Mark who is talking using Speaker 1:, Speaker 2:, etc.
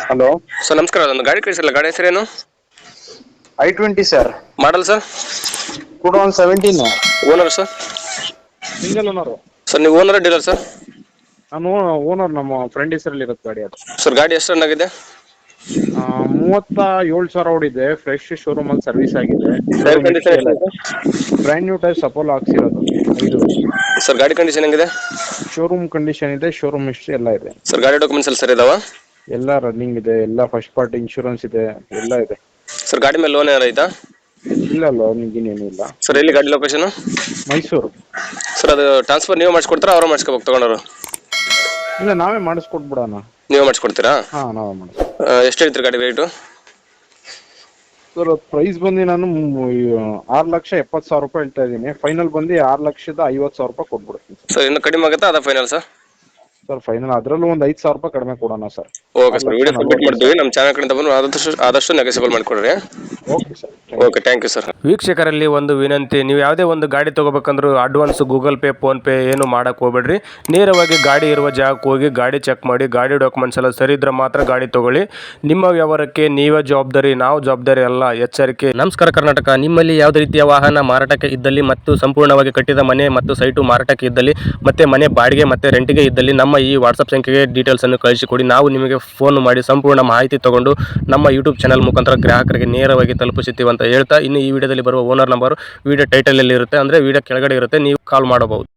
Speaker 1: Hello
Speaker 2: sir ನಮಸ್ಕಾರ, ಅದೊಂದು ಗಾಡಿ ಕಳಿಸಿರಲ್ಲ, ಗಾಡಿ ಹೆಸರೇನು?
Speaker 1: I-20 sir.
Speaker 2: Model sir?
Speaker 1: 2017.
Speaker 2: Owner sir?
Speaker 1: Single owner.
Speaker 2: Sir ನೀವು ಓನರ್ ಡೀಲರ್ ಸರ್?
Speaker 1: ನಾನು ಓನರ್, ನಮ್ಮ ಫ್ರೆಂಡ್ ಹೆಸರಲ್ಲಿ ಇರುತ್ತೆ ಗಾಡಿ ಅದು.
Speaker 2: ಸರ್ ಗಾಡಿ ಎಷ್ಟು ರನ್ ಆಗಿದೆ?
Speaker 1: 37,000 ಓಡಿದೆ. ಫ್ರೆಶ್ ಶೋರೂಮ್ ಅಲ್ಲಿ ಸರ್ವಿಸ್ ಆಗಿದೆ.
Speaker 2: ಟೈರ್
Speaker 1: ಶೋರೂಮ್
Speaker 2: ಕಂಡೀಷನ್
Speaker 1: ಹಿಸ್ಟ್ರಿ ಎಲ್ಲ
Speaker 2: ಎಷ್ಟಿದೆ?
Speaker 1: ಬ್ರ್ಯಾಂಡ್ ನ್ಯೂ ಟೈರ್ಸ್ ಅಪೋಲೋ ಹಾಕ್ಸಿರೋದು 5 ವರ್ಷ.
Speaker 2: ಸರ್ ಗಾಡಿ ಕಂಡೀಷನ್ ಹೆಂಗಿದೆ?
Speaker 1: ಶೋರೂಮ್ ಕಂಡೀಷನ್ ಇದೆ, ಶೋರೂಮ್ ಹಿಸ್ಟ್ರಿ ಎಲ್ಲ ಇದೆ.
Speaker 2: ಸರ್ ಗಾಡಿ ಡಾಕ್ಯುಮೆಂಟ್ಸ್ ಎಲ್ಲ ಸರ್ ಇದಾವ?
Speaker 1: ಎಲ್ಲ ರನ್ನಿಂಗ್ ಇದೆ, ಎಲ್ಲ ಫಸ್ಟ್ ಪಾರ್ಟಿ ಇನ್ಶೂರೆನ್ಸ್ ಇದೆ, ಎಲ್ಲ ಇದೆ.
Speaker 2: ಸರ್ ಗಾಡಿ ಮೇಲೆ ಲೋನ್ ಏನಾರು ಐತಾ?
Speaker 1: ಇಲ್ಲ ಲೋನಿಂಗ್ ಏನಿಲ್ಲ ಇಲ್ಲ.
Speaker 2: ಸರ್ ಎಲ್ಲಿ ಗಾಡಿ ಲೊಕೇಶನ್?
Speaker 1: ಮೈಸೂರು.
Speaker 2: ಸರ್ ಅದು ಟ್ರಾನ್ಸ್ಫರ್ ನೀವು ಮಾಡಿಸ್ಕೊಡ್ತಾರಾ, ಅವ್ರು ಮಾಡಿಸ್ಕೋಬೇಕು ತಗೊಂಡವರು?
Speaker 1: ಇಲ್ಲ ನಾವೇ ಮಾಡಿಸ್ಕೊಟ್ಬಿಡೋಣ.
Speaker 2: ನೀವೇ ಮಾಡಿಸ್ಕೊಡ್ತೀರಾ?
Speaker 1: ಹಾಂ ನಾವೇ ಮಾಡಿಸ್ಕೊಡ್ತೀವಿ.
Speaker 2: ಎಷ್ಟು ಹೇಳ್ತೀರಿ ಗಾಡಿ ರೇಟು?
Speaker 1: ಸರ್ ಪ್ರೈಸ್ ಬಂದು ನಾನು 6,70,000 ರೂಪಾಯಿ ಹೇಳ್ತಾ ಇದ್ದೀನಿ. ಫೈನಲ್ ಬಂದು 6,50,000 ರೂಪಾಯಿ ಕೊಟ್ಬಿಡ್ತೀನಿ
Speaker 2: ಸರ್ ಇನ್ನು ಕಡಿಮೆ ಆಗುತ್ತಾ ಅದ ಫೈನಲ್ ಸರ್?
Speaker 1: ಸರ್ ಫೈನಲ್ ಅದರಲ್ಲೂ ಒಂದು 5,000 ರೂಪಾಯಿ ಕಡಿಮೆ ಕೊಡೋಣ sir.
Speaker 2: Okay sir, video submit ಮಾಡ್ತೀವಿ. ನಮ್ಮ ಚಾನಲ್ ಕಡೆಯಿಂದ ಬಂದು ಆದಷ್ಟು ನೆಗೆಸಿಬಲ್ ಮಾಡಿಕೊಡ್ರಿ.
Speaker 1: Okay sir.
Speaker 2: Okay, thank you sir. ವೀಕ್ಷಕರಲ್ಲಿ ಒಂದು ವಿನಂತಿ, ನೀವು ಯಾವುದೇ ಒಂದು ಗಾಡಿ ತೊಗೋಬೇಕಂದ್ರೂ ಅಡ್ವಾನ್ಸ್ ಗೂಗಲ್ ಪೇ, ಫೋನ್ಪೇ ಏನು ಮಾಡೋಕ್ಕೆ ಹೋಗ್ಬೇಡ್ರಿ. ನೇರವಾಗಿ ಗಾಡಿ ಇರುವ ಜಾಗಕ್ಕೆ ಹೋಗಿ ಗಾಡಿ ಚೆಕ್ ಮಾಡಿ, ಗಾಡಿ ಡಾಕ್ಯುಮೆಂಟ್ಸ್ ಎಲ್ಲ ಸರಿ ಇದ್ರೆ ಮಾತ್ರ ಗಾಡಿ ತೊಗೊಳ್ಳಿ. ನಿಮ್ಮ ವ್ಯವಹಾರಕ್ಕೆ ನೀವೇ ಜವಾಬ್ದಾರಿ, ನಾವು ಜವಾಬ್ದಾರಿ ಅಲ್ಲ, ಎಚ್ಚರಿಕೆ. ನಮಸ್ಕಾರ ಕರ್ನಾಟಕ. ನಿಮ್ಮಲ್ಲಿ ಯಾವುದೇ ರೀತಿಯ ವಾಹನ ಮಾರಾಟಕ್ಕೆ ಇದ್ದಲ್ಲಿ ಮತ್ತು ಸಂಪೂರ್ಣವಾಗಿ ಕಟ್ಟಿದ ಮನೆ ಮತ್ತು ಸೈಟು ಮಾರಾಟಕ್ಕೆ ಇದ್ದಲ್ಲಿ ಮತ್ತೆ ಮನೆ ಬಾಡಿಗೆ ಮತ್ತು ರೆಂಟಿಗೆ ಇದ್ದಲ್ಲಿ ನಮ್ಮ ಈ ವಾಟ್ಸಪ್ ಸಂಖ್ಯೆಗೆ ಡೀಟೇಲ್ಸನ್ನು ಕಳಿಸಿಕೊಡಿ. ನಾವು ನಿಮಗೆ ಫೋನ್ ಮಾಡಿ ಸಂಪೂರ್ಣ ಮಾಹಿತಿ ತಗೊಂಡು ನಮ್ಮ ಯೂಟ್ಯೂಬ್ ಚಾನಲ್ ಮುಖಾಂತರ ಗ್ರಾಹಕರಿಗೆ ನೇರವಾಗಿ ತಲುಪಿಸುತ್ತೀವಿ ಅಂತ ಹೇಳ್ತಾ, ಇನ್ನು ಈ ವಿಡಿಯೋದಲ್ಲಿ ಬರುವ ಓನರ್ ನಂಬರ್ ವಿಡಿಯೋ ಟೈಟಲಲ್ಲಿ ಇರುತ್ತೆ, ಅಂದರೆ ವಿಡಿಯೋ ಕೆಳಗಡೆ ಇರುತ್ತೆ, ನೀವು ಕಾಲ್ ಮಾಡಬಹುದು.